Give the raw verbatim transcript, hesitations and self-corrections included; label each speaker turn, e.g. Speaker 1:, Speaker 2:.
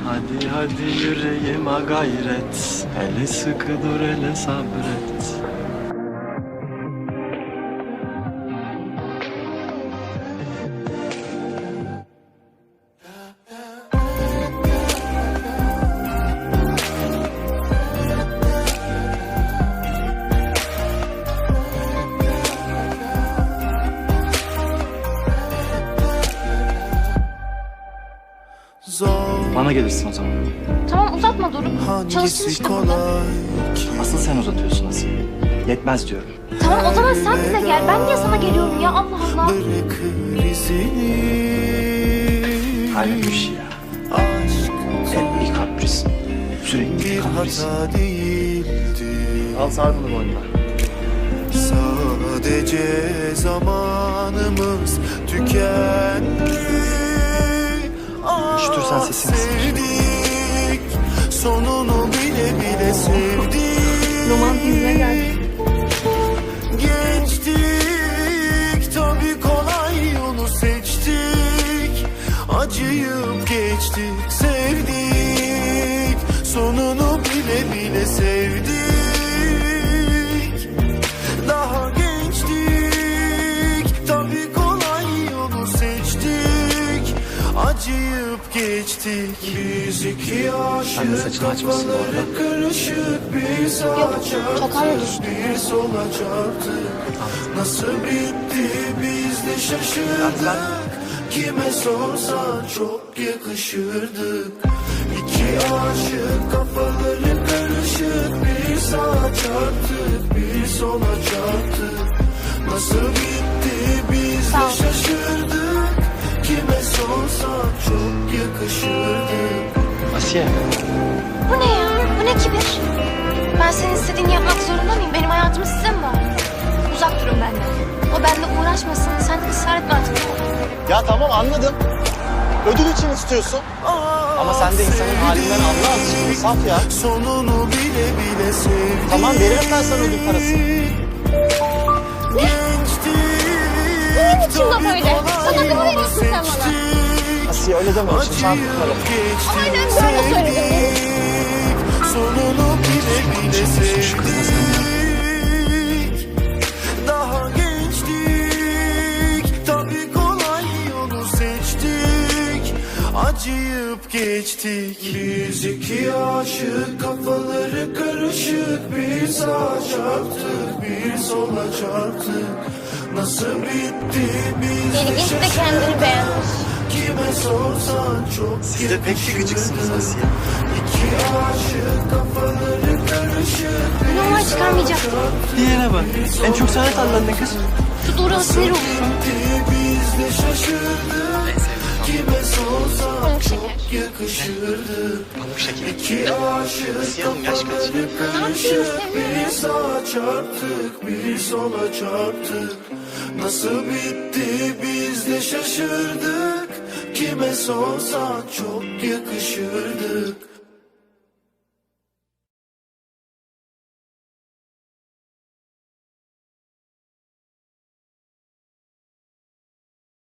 Speaker 1: Hadi hadi yüreğime gayret, hele sıkı dur hele sabret. Bana gelirsin o zaman.
Speaker 2: Tamam uzatma Doruk. Çalışsın işte burada.
Speaker 1: Asıl sen uzatıyorsun asıl. Yetmez diyorum.
Speaker 2: Tamam o zaman sen bize gel. Ben niye sana geliyorum ya Allah Allah.
Speaker 1: Hayret bir şey ya. Hep bir kapris. Sürekli bir kapris. Al sar bunu boynuna.
Speaker 3: Sadece zamanımız tükendi.
Speaker 1: Üşütürsen sesini kısır.
Speaker 3: Sonunu bile bile sevdik.
Speaker 2: Romantizme geldik.
Speaker 3: Geçtik tabii kolay yolu seçtik. Acıyıp geçtik sevdik. Sonunu bile bile sevdik. Daha gençtik tabii kolay yolu seçtik. Acıyıp geçtik. Biz iki
Speaker 1: Sen de
Speaker 3: aşık
Speaker 1: saçını açmışsın bu arada.
Speaker 3: kafaları karışık. Bir sağa
Speaker 2: Yok, toparla
Speaker 3: çarptık,
Speaker 2: düştü.
Speaker 3: bir sola çarptık. Nasıl bitti biz de şaşırdık. Kime sorsan çok yakışırdık. İki aşık kafaları karışık. Bir sağa çarptık, bir sola çarptık. Nasıl bitti biz
Speaker 2: Sağ ol.
Speaker 3: de şaşırdık. Kime sorsan çok yakışırdık.
Speaker 1: Asiye.
Speaker 2: Bu ne ya? Bu ne kibir? Ben senin istediğini yapmak zorunda mıyım? Benim hayatımı size mi bağlı? Uzak durun benden. O benimle uğraşmasın. Sen de ısrar etme artık.
Speaker 1: Ya tamam anladım. Ödül için istiyorsun. Ama sen de insanın halinden anla azıcık. Saf ya.
Speaker 3: Sonunu bile bile sevdik.
Speaker 1: Tamam veririm ben sana ödül parası.
Speaker 2: Neyin için laf öyle? Sadaka mı veriyorsun sen bana?
Speaker 1: Asiye öyle deme. Şimdi sen tutarım.
Speaker 2: Aynen böyle söyledim.
Speaker 3: Sonunu bile bile sevdik. Daha gençtik. Tabii kolay yolu seçtik. Acıyıp geçtik. Biz iki aşık kafaları karışık. Bir sağa çarptık, bir sola çarptık. Nasıl bitti biz de
Speaker 2: İlginç de kendini beğenmiş.
Speaker 3: Kime sorsan çok
Speaker 1: Siz de pek bir gıcıksınız Asiye.
Speaker 3: İki aşık kafaları karışık.
Speaker 2: Numara çıkarmayacaktım.
Speaker 1: Diğerine bak. En çok sana tallandın kız.
Speaker 2: Şu Doruk'a sinir olsun.
Speaker 3: Biz de şaşırdık. Kime sorsan
Speaker 2: Pamuk şeker.
Speaker 3: çok yakışırdık.
Speaker 1: Pamuk şeker.
Speaker 3: İki aşık
Speaker 1: Asiye'nin yaş kaç?
Speaker 3: kafaları karışık. Bir sağa çarptık, bir sola çarptık. Nasıl bitti biz de şaşırdık. Kime sorsan çok yakışırdık.